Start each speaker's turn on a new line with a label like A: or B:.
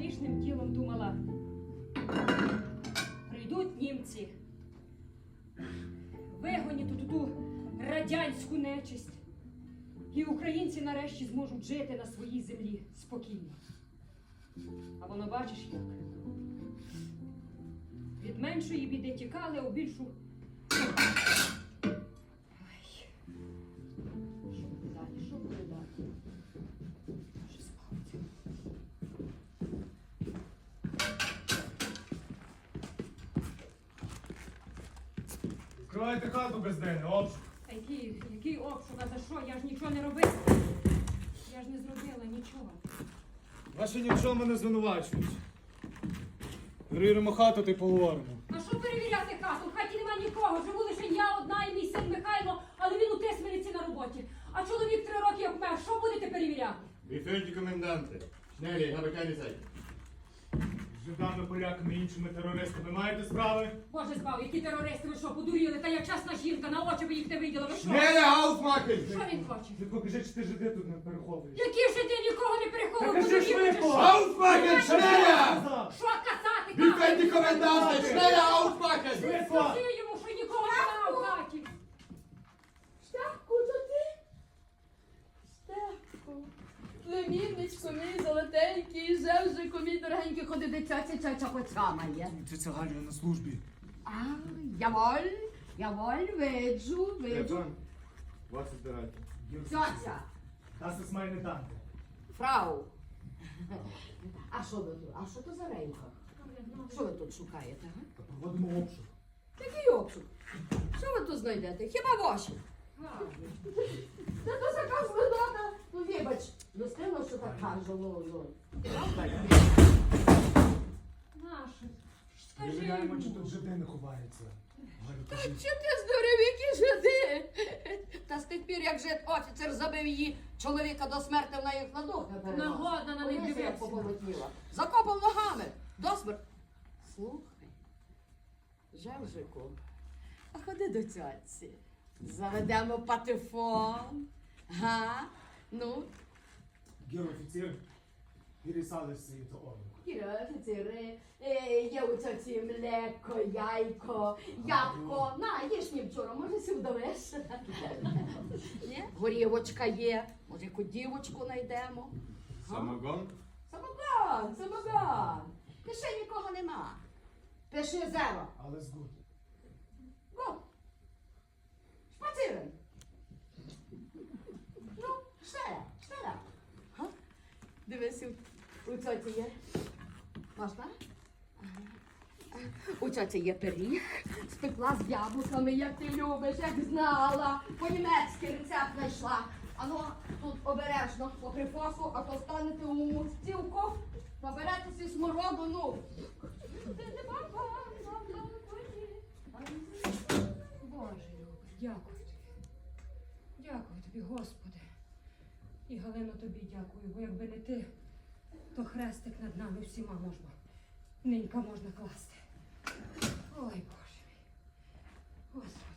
A: грішним тілом думала, прийдуть німці, вигонять тут ту радянську нечисть, і українці нарешті зможуть жити на своїй землі спокійно. А воно бачиш як? Від меншої біди тікали, а у більшу... Ай. Що буде далі? Що буде далі? Що спавці?
B: Відкривайте хату без день, обшук.
A: Та який обшук? А за що? Я ж нічого не робила. Я ж не зробила нічого.
B: Ваші ні в чому не звинувачують. Перевіримо хату та й поговоримо.
A: А що перевіряти хату? В хаті нема нікого. Живу лише я одна і мій син Михайло, але він у Тисмениці на роботі. А чоловік 3 роки як мер. Що будете перевіряти?
C: Бефельді коменданти. Schnell, habe keine Zeit.
B: З жидами, поляками і іншими терористами маєте справи?
A: Боже збав, які терористи, ви що, подуріли? Та я чесна жінка, на очі ви їх не виділа. Ви що?
C: Schnell aufmachen!
A: Що він хоче?
B: Ти покажи, чи ти жиди тут не переховуєш.
A: Які ж ти нікого не переховував?
B: Та кажи
A: подуріли чи
B: швидко!
A: що?
C: Aufmachen, schneller!
A: Що казати?
C: Befельді коменданти, schneller aufmachen!
B: Швидко!
A: Скажи йому, що нікого немає в хаті.
D: Штефку, то ти? Штефку. Племінничко мій золотенький, жевжику мій дорогенький, ходи до цьоці, цьоця поцямає.
B: Це Галю на службі.
D: А, яволь, виджу.
C: Was ist bereit?
D: Цьоця,
B: Das ist meine Tante.
D: фрау. А що ви тут? А що то за рейха? Що ви тут шукаєте, га?
B: Та проводимо обшук.
D: Який обшук? Що ви тут знайдете? Хіба ваші? Та то така згодота. Ну, вибач, достигла, що так кажу, ну.
A: Наше. Скажи
B: Перевіряємо, чи
A: йому.
B: тут жиди не ховаються. Галю,
D: Та
B: кажи.
D: чи ти здурів, які жиди? Та з тих пір, як жид-офіцер забив її чоловіка до смерти, вона їх на дух не переносила.
A: Нагодна на них
D: Ось як
A: дивитися.
D: поболотніла. Закопав ногами. До смерти. Слухай, Жевжику, а ходи до цьоці. Заведемо патефон. Га? Ну,
B: Гер офіцер, пересали свої то орли.
D: Кіра, офіцери, є у цьоці млеко, яйко, ябко. На, їж мені вчора, може сі вдовеш? Ні? Горівочка є, може яку дівочку знайдемо.
C: Самогон?
D: Самогон. Пиши, нікого нема. Пиши 0.
B: Але згуд.
D: Го. Шпацирин. Ну, штеля. Га? Дивись, у цьоці є. Можна? У цьоці є пиріг, спекла з яблуками, як ти любиш, як знала. По-німецьки рецепт знайшла. Ану, тут обережно, по припасу, а то станете у стілку, наберетеся смороду, ну.
A: Боже любий, дякую тобі. Дякую тобі, Господи. І Галино тобі дякую, бо якби не ти, то хрестик над нами всіма можна. Ненька можна класти. Ой, Боже мій. Господи.